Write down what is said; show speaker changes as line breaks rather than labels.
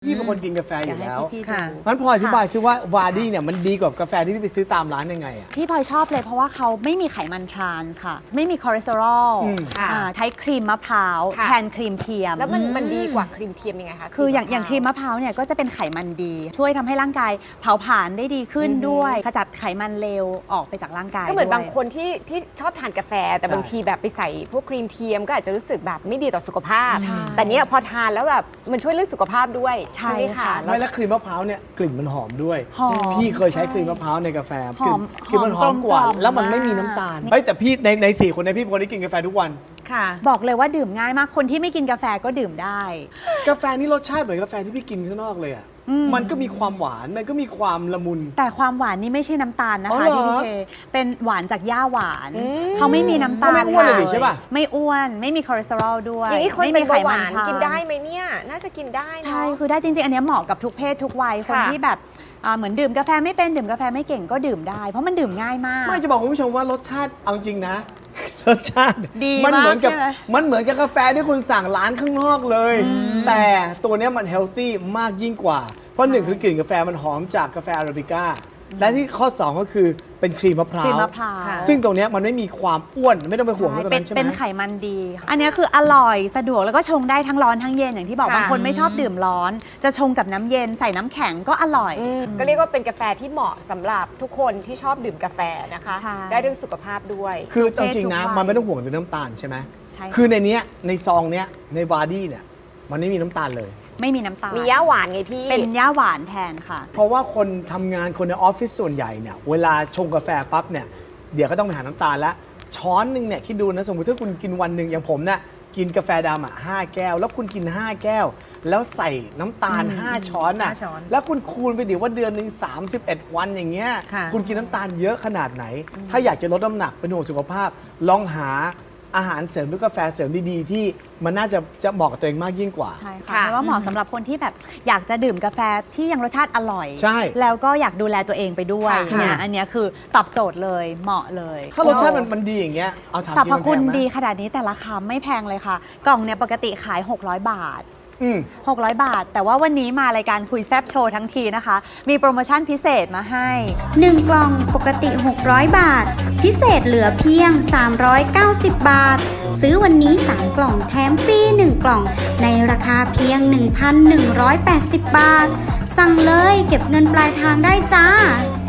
พี่เป็นคนกินกาแฟอยู่แล้ว
ค่ะ
งั้นพออธิบายซิว่าวาร์ดี้เนี่ยมันดีกว่ากาแฟที่พี่ไปซื้อตามร้านยังไงอ่ะ
ที่พลอยชอบเลยเพราะว่าเขาไม่มีไขมันทรานส์ค่ะ ไม่มีคอเลสเตอรอล
ค่ะ
ใช้ครีมมะพร้าว
ค่ะ
แทนครีมเทียม
แล้วมันดีกว่าครีมเทียมยังไงคะ
คืออย่างครีมมะพร้าวเนี่ยก็จะเป็นไขมันดี ช่วยทำให้ร่างกายเผาผลาญได้ดีขึ้นด้วยขจัดไขมันเลวออกไปจากร่างกาย
ก็เหมือน
ด้วย
บางคนที่ชอบทานกาแฟ แต่
ใช่
บางทีแบบไปใส่พวกครีมเทียมก็อาจจะรู้สึกแบบไม่ดีต่อสุขภาพ
ใช่
แต่เนี้ยพอทานแล้วแบบมันช่วยเรื่องสุขภาพด้วย
ใช่
ไหม
ค่ะ
แล้ว
ไม่แล้วครีมมะพร้าวเนี่ยกลิ่นมันหอมด้วย
หอม
พี่เคยใช้ครีมมะพร้าวในกาแฟ
หอม
กลิ่นมันหอมกว่า
หอมกลมๆ
แล้วมันไม่มีน้ำตาล
มาก
เฮ้ยแต่พี่ใน4 คนเนี้พี่เป็นคนที่กินกาแฟทุกวัน
ค่ะ
บอกเลยว่าดื่มง่ายมากคนที่ไม่กินกาแฟก็ดื่มได้
กาแฟนี่รสชาติเหมือนกาแฟที่พี่กินข้างนอกเลยอ่ะมันก็มีความหวานมันก็มีความละมุน
แต่ความหวานนี่ไม่ใช่น้ำตาลนะ
อ๋อ
คะ
เหรอ
ที่พี่เคเป็นหวานจากหญ้าหวาน
อืม
เขาไม่มีน้ำตาล
ก็ไม่อ้วนเลยดิใช่ปะ
ไม่อ้วนไม่มีคอเลสเตอรอลด้วย
อย่างนี้คน
ไม่
เป็
มี
น
ไข
เบาห
มั
วาน
ทรานส์
กินได้ไหมเนี่ย น่าจะกินได้เนอะ
ใช่คือได้จริงๆ อันเนี้ยเหมาะกับทุกเพศทุกวัยคน
ค่ะ
ที่แบบเหมือนดื่มกาแฟไม่เป็นดื่มกาแฟไม่เก่งก็ดื่มได้ เพราะมันดื่มง่ายมาก
ไม่จะบอกคุณผู้ชมว่ารสชาติเอาจริงนะ รสชาติ
ดี
มันเหมือนกับ
มากใช่ไหม
มันเหมือนกับกาแฟที่คุณสั่งร้านข้างนอกเลย แต่ตัวเนี้ยมันเฮลตี้มากยิ่งกว่า เพราะหนึ่งคือกลิ่นกาแฟมันหอมจากกาแฟอาราบิก้าและที่ข้อ 2 ก็คือเป็นครีมมะพร้า
ครีม
ว
มะพร้าว
ค่ะ
ซึ่งตรงเนี้ยมันไม่มีความอ้วนไม่ต้องไปห่วงเรื่องตรงนั้นใช่ไหม
เป็นไขมันดี อันเนี้ยคืออร่อยสะดวกแล้วก็ชงได้ทั้งร้อนทั้งเย็นอย่างที่บอก
ค่ะ
บางคนไม่ชอบดื่มร้อน จะชงกับน้ำเย็นใส่น้ำแข็งก็อร่อย
ก็เรียกว่าเป็นกาแฟที่เหมาะสำหรับทุกคนที่ชอบดื่มกาแฟนะคะ
ใช่
ได้เรื่องสุขภาพด้วย
คือเอาจริงนะ
ทุกวัย
มันไม่ต้องห่วงถึงน้ำตาลใช่ไหม
ใช่ค่ะ
คือในเนี้ยในซองเนี้ยในวาร์ดี้เนี่ยมันไม่มีน้ำตาลเลย
ไม่มีน้ำตาล
มีย่าหวานไงพี่
เป็นย่าหวานแทนค่ะ
เพราะว่าคนทำงานคนในออฟฟิศส่วนใหญ่เนี่ยเวลาชงกาแฟปั๊บเนี่ยเดี๋ยวก็ต้องไปหาน้ำตาลแล้วช้อนหนึ่งเนี่ยคิดดูนะสมมติถ้าคุณกินวันหนึ่งอย่างผมเนี่ยกินกาแฟดำ5 แก้ว แล้วคุณกิน 5 แก้ว แล้วใส่น้ำตาล 5 ช้อนอ่ะ
5 ช้อน
แล้วคุณคูณไปดิว่าเดือนหนึ่ง31 วันอย่างเงี้ย
ค่ะ
คุณกินน้ำตาลเยอะขนาดไหน ถ้าอยากจะลดน้ำหนักเป็นห่วงสุขภาพ ลองหาอาหารเสริมหรือกาแฟเสริมดีๆ ที่มันน่าจะเหมาะกับตัวเองมากยิ่งกว่า
ใช่ค่ะ
ค่ะ
เพราะว่าเหมาะสำหรับคนที่แบบอยากจะดื่มกาแฟที่ยังรสชาติอร่อย
ใช่
แล้วก็อยากดูแลตัวเองไปด้วย
ค่ะ
เนี่ยอันเนี้ยคือตอบโจทย์เลยเหมาะเลย
ถ้ารสชาติมันดีอย่างเงี้ยเอาถาม
สร
จริ
ร
ง
พคุณ
มันแพงไหม
ดีขนาดนี้แต่ราคาไม่แพงเลยค่ะ กล่องเนี่ยปกติขาย 600 บาท 600 บาท แต่ว่าวันนี้มารายการคุยแซบโชว์ทั้งทีนะคะ มีโปรโมชั่นพิเศษมาให้
1 กล่องปกติ 600 บาท พิเศษเหลือเพียง 390 บาท ซื้อวันนี้ 3 กล่องแถมฟรี 1 กล่อง ในราคาเพียง 1,180 บาท สั่งเลยเก็บเงินปลายทางได้จ้า